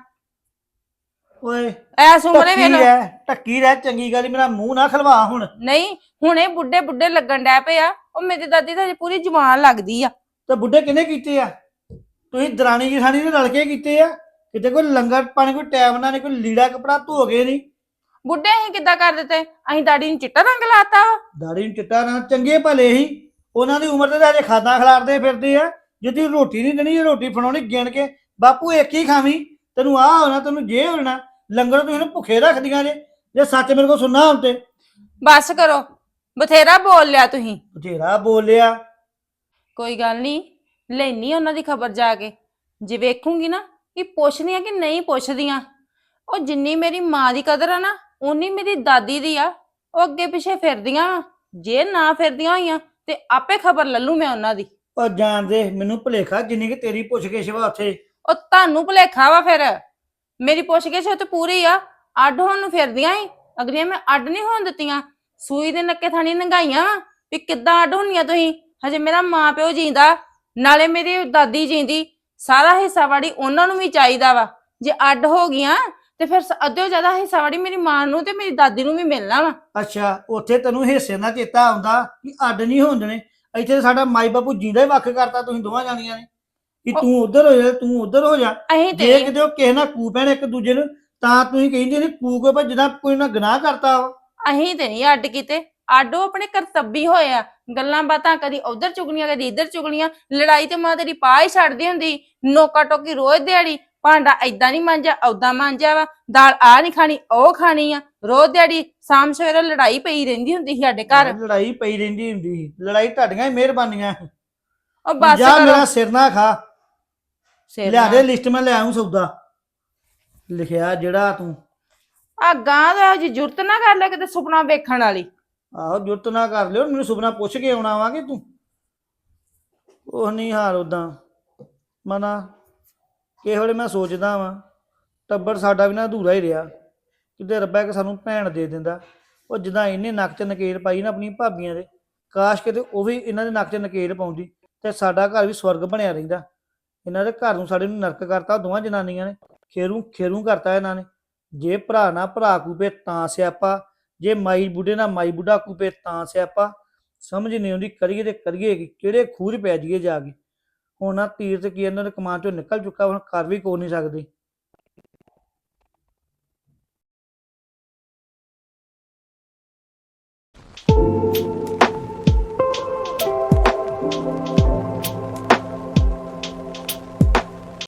[SPEAKER 8] ਓਏ
[SPEAKER 5] ਐਸ ਉਮਰੇ
[SPEAKER 8] ਟੱਕੀ
[SPEAKER 5] ਵੇਖ
[SPEAKER 8] ਰਹਿ ਟੱਕੀ ਰਹਿ ਚੰਗੀ ਗੱਲ ਈ, ਮੇਰਾ ਮੂੰਹ ਨਾ ਖਲਵਾ ਹੁਣ
[SPEAKER 5] ਨਹੀਂ ਹੁਣੇ ਬੁੱਢੇ ਬੁੱਢੇ ਲੱਗਣ ਡੈ ਪਏ ਆ ਉਹ ਮੇਰੀ ਦਾਦੀ ਤਾਂ ਹਜੇ ਪੂਰੀ ਜਵਾਨ ਲੱਗਦੀ ਆ
[SPEAKER 8] ਤੇ ਬੁੱਢੇ ਕਿਹਨੇ ਕੀਤੇ ਆ ਤੁਸੀਂ ਦਰਾਣੀ ਜਠਾਣੀ ਨੇ ਰਲ ਕੇ ਕੀਤੇ ਆ ਕਿਤੇ ਕੋਈ ਲੰਗਰ ਪਾਣੀ ਕੋਈ ਟਾਈਮ ਨਾਲ ਨਹੀਂ ਕੋਈ ਲੀੜਾ ਕਪੜਾ ਧੋ ਗਏ ਨਹੀਂ
[SPEAKER 5] ਬੁੱਢੇ ਅਸੀਂ ਕਿੱਦਾਂ ਕਰ ਦਿੱਤੇ? ਅਸੀਂ ਦਾੜੀ ਨੂੰ ਚਿੱਟਾ ਰੰਗ ਲਾਤਾ ਵਾ।
[SPEAKER 8] ਦਾੜੀ ਨੂੰ ਚਿੱਟਾ ਨਾ ਚੰਗੇ ਭਲੇ ਹੀ ਉਹਨਾਂ ਦੀ ਉਮਰ ਤੇ ਤਾਂ ਹਜੇ ਖਾਦਾਂ ਖਿਲਾਰਦੇ ਫਿਰਦੇ ਆ। ਜਿੱਦੀ ਰੋਟੀ ਨਹੀਂ ਦੇਣੀ, ਰੋਟੀ ਫੜਾਉਣੀ ਗਿਣ ਕੇ ਬਾਪੂ ਇੱਕ ਹੀ ਖਾਵੀਂ, ਤੈਨੂੰ ਆਹ ਹੋਣਾ ਤੈਨੂੰ ਜੇ ਹੋਣਾ। ਲੰਗਰ ਤੁਸੀਂ ਇਹਨੂੰ ਭੁੱਖੇ ਰੱਖਦੀਆਂ ਜੇ ਜੇ ਸੱਚ ਮੇਰੇ ਕੋਲ ਸੁਣਨਾ ਹੁਣ ਤੇ।
[SPEAKER 5] ਬਸ ਕਰੋ, ਬਥੇਰਾ ਬੋਲ ਲਿਆ ਤੁਸੀਂ।
[SPEAKER 8] ਬਥੇਰਾ ਬੋਲਿਆ।
[SPEAKER 5] ਕੋਈ ਗੱਲ ਨਹੀਂ, ਲੈਣੀ ਉਹਨਾਂ ਦੀ ਖਬਰ ਜਾ ਕੇ। ਜੇ ਵੇਖੂੰਗੀ ਨਾ ਕਿ ਪੁੱਛਦੀਆਂ ਕਿ ਨਹੀਂ ਪੁੱਛਦੀਆਂ। ਉਹ ਜਿੰਨੀ ਮੇਰੀ ਮਾਂ ਦੀ ਕਦਰ ਆ ਨਾ ਉਨੀ ਮੇਰੀ ਦਾਦੀ ਦੀ ਆ। ਉਹ ਅੱਗੇ ਪਿੱਛੇ ਫਿਰਦੀਆਂ ਵਾਂ। ਜੇ ਨਾ ਫਿਰਦੀਆਂ ਹੋਈਆਂ ਤੇ ਆਪੇ ਖਬਰ ਲੱਲੂ ਮੈਂ ਉਹਨਾਂ ਦੀ।
[SPEAKER 8] ਉਹ ਜਾਣਦੇ ਮੈਨੂੰ ਭੁਲੇਖਾ ਜਿੰਨੀ ਕਿ ਤੇਰੀ ਪੁੱਛ ਕੇ ਸ਼ਵਾ ਉੱਥੇ।
[SPEAKER 5] ਉਹ ਤੁਹਾਨੂੰ ਭੁਲੇਖਾ ਵਾ ਫਿਰ। ਮੇਰੀ ਪੁੱਛ-ਗਿੱਛ ਤੇ ਪੂਰੀ ਆ। ਅੱਡ ਹੋਣ ਨੂੰ ਫਿਰਦੀਆਂ ਈ। ਅਗਲੀਆਂ ਮੈਂ ਅੱਡ ਨਹੀਂ ਹੋਣ ਦਿੱਤੀਆਂ। ਸੂਈ ਦੇ ਨੱਕੇ ਥਾਣੀ ਨੰਗਾਈਆਂ ਵਾ ਵੀ ਕਿੱਦਾਂ ਅੱਡ ਹੋਣੀਆਂ ਤੁਸੀਂ। ਹਜੇ ਮੇਰਾ ਮਾਂ ਪਿਓ ਜੀਂਦਾ, ਨਾਲੇ ਮੇਰੀ ਦਾਦੀ ਜੀਂਦੀ। ਸਾਰਾ ਹਿੱਸਾ ਵਾੜੀ ਉਹਨਾਂ ਨੂੰ ਵੀ ਚਾਹੀਦਾ ਵਾ। ਜੇ ਅੱਡ ਹੋ ਗਈਆਂ ਤੇ ਫਿਰ ਅੱਧਿਓ ਜ਼ਿਆਦਾ ਹਿੱਸਾ ਵਾੜੀ ਮੇਰੀ ਮਾਂ ਨੂੰ ਤੇ ਮੇਰੀ ਦਾਦੀ ਨੂੰ ਵੀ ਮਿਲਣਾ ਵਾ।
[SPEAKER 8] ਅੱਛਾ, ਉੱਥੇ ਤੈਨੂੰ ਹਿੱਸੇ ਨਾਲ ਚੇਤਾ ਆਉਂਦਾ ਕਿ ਅੱਡ ਨਹੀਂ ਹੋਣ ਦੇਣੇ। ਇੱਥੇ ਸਾਡਾ ਮਾਈ ਬਾਪੂ ਜਿੰਦਾ ਹੀ ਵੱਖ ਕਰਤਾ ਤੁਸੀਂ ਦੋਵਾਂ ਜਾਣੀਆਂ ਨੇ ਕਿ ਤੂੰ ਉਧਰ ਹੋ ਜਾ ਤੂੰ ਉਧਰ ਹੋ ਜਾ।
[SPEAKER 5] ਅਸੀਂ
[SPEAKER 8] ਜੇ
[SPEAKER 5] ਤੇ
[SPEAKER 8] ਕਿਤੇ ਉਹ ਕਿਸੇ ਨਾਲ ਕੂ ਪੈਣ ਇੱਕ ਦੂਜੇ ਨੂੰ ਤਾਂ ਤੁਸੀਂ ਕਹਿੰਦੇ ਨੇ ਕੂ ਕੇ ਭਾਈ ਜਿੱਦਾਂ ਕੋਈ ਨਾ ਗੁਨਾਹ ਕਰਤਾ ਵਾ।
[SPEAKER 5] ਅਸੀਂ ਤੇ ਨਹੀਂ ਅੱਡ ਕੀਤੇ। ਅੱਡ ਉਹ ਆਪਣੇ ਕਰਤੱਬੀ ਹੋਏ ਆ। ਗੱਲਾਂ ਬਾਤਾਂ ਕਦੀ ਉਧਰ ਚੁਗਲੀਆਂ ਕਦੀ ਇੱਧਰ ਚੁਗਲੀਆਂ। ਲੜਾਈ ਤੇ ਮਾਂ ਤੇਰੀ ਪਾ ਹੀ ਛੱਡਦੀ ਹੁੰਦੀ। ਨੋਕਾ ਟੋਕੀ ਰੋਜ਼ ਦਿਹਾੜੀ। ਭਾਂਡਾ ਏਦਾਂ ਨਹੀਂ ਮਾਂਜਿਆ ਓਦਾਂ ਮਾਂਜਿਆ ਵਾ। ਦਾਲ ਆ ਨਹੀਂ ਖਾਣੀ ਉਹ ਖਾਣੀ ਆ। ਰੋਜ਼ ਦਿਹਾੜੀ ਸ਼ਾਮ ਸਵੇਰੇ ਲੜਾਈ ਪਈ ਰਹਿੰਦੀ ਹੁੰਦੀ ਸੀ ਸਾਡੇ ਘਰ।
[SPEAKER 8] ਲੜਾਈ ਪਈ ਰਹਿੰਦੀ ਹੁੰਦੀ ਸੀ। ਲੜਾਈ ਤੁਹਾਡੀਆਂ ਹੀ ਮਿਹਰਬਾਨੀਆਂ।
[SPEAKER 5] ਉਹ ਬਸ
[SPEAKER 8] ਜਾ
[SPEAKER 5] ਕਰੋ।
[SPEAKER 8] ਮੇਰਾ ਸਿਰ ਨਾ ਖਾ।
[SPEAKER 5] ਸਿਰ
[SPEAKER 8] ਲਿਆ
[SPEAKER 5] ਨਾ-
[SPEAKER 8] ਦੇ ਲਿਸਟ ਮੈਂ ਲੈ ਆਉਂ ਸੌਦਾ ਲਿਖਿਆ ਜਿਹੜਾ ਤੂੰ।
[SPEAKER 5] ਆ ਗਾਂ ਦਾ ਜੀ ਜੁਰਤ ਨਾ ਕਰ ਲੈ ਕਿਤੇ ਸੁਪਨਾ ਵੇਖਣ ਵਾਲੀ।
[SPEAKER 8] ਆਹੋ ਜੁਰਤ ਨਾ ਕਰ ਲਿਓ, ਮੈਨੂੰ ਸੁਪਨਾ ਪੁੱਛ ਕੇ ਆਉਣਾ ਵਾ ਕਿ ਤੂੰ ਉਹ ਨਹੀਂ ਹਾਲ ਉਦਾਂ ਮਨਾ ਕਿਸੇ ਵੇਲੇ ਮੈਂ ਸੋਚਦਾ ਵਾਂ ਟੱਬਰ ਸਾਡਾ ਵੀ ਨਾ ਅਧੂਰਾ ਹੀ ਰਿਹਾ। ਕਿਤੇ ਰੱਬਾ ਕਿ ਸਾਨੂੰ ਭੈਣ ਦੇ ਦਿੰਦਾ। ਉਹ ਜਿੱਦਾਂ ਇਹਨੇ ਨੱਕ 'ਚ ਨਕੇਲ ਪਾਈ ਨਾ ਆਪਣੀ ਭਾਬੀਆਂ ਦੇ, ਕਾਸ਼ ਕਿਤੇ ਉਹ ਵੀ ਇਹਨਾਂ ਦੇ ਨੱਕ 'ਚ ਨਕੇਲ ਪਾਉਂਦੀ ਤੇ ਸਾਡਾ ਘਰ ਵੀ ਸਵਰਗ ਬਣਿਆ ਰਹਿੰਦਾ। ਇਹਨਾਂ ਦੇ ਘਰ ਨੂੰ ਸਾਡੇ ਨੂੰ ਨਰਕ ਕਰਤਾ ਦੋਵਾਂ ਜਨਾਨੀਆਂ ਨੇ। ਖੇਰੂ ਖੇਰੂ ਕਰਤਾ ਇਹਨਾਂ ਨੇ। ਜੇ ਭਰਾ ਨਾਲ ਭਰਾ ਕੂਪੇ ਤਾਂ ਸਿਆਪਾ, ਜੇ ਮਾਈ ਬੁੱਢੇ ਨਾਲ ਮਾਈ ਬੁੱਢਾ ਕੂਪੇ ਤਾਂ ਸਿਆਪਾ। ਸਮਝ ਨਹੀਂ ਆਉਂਦੀ ਕਰੀਏ ਤੇ ਕਰੀਏ ਕਿ ਕਿਹੜੇ ਖੂਹ 'ਚ ਪੈ ਜਾਈਏ ਜਾ ਕੇ। ਹੁਣ ਨਾ ਤੀਰ ਤੇ ਕੀ ਇਹਨਾਂ ਦੇ ਕਮਾਨ ਚੋਂ ਨਿਕਲ ਚੁੱਕਾ, ਹੁਣ ਕਰ ਵੀ ਕੋ ਨਹੀਂ ਸਕਦੇ।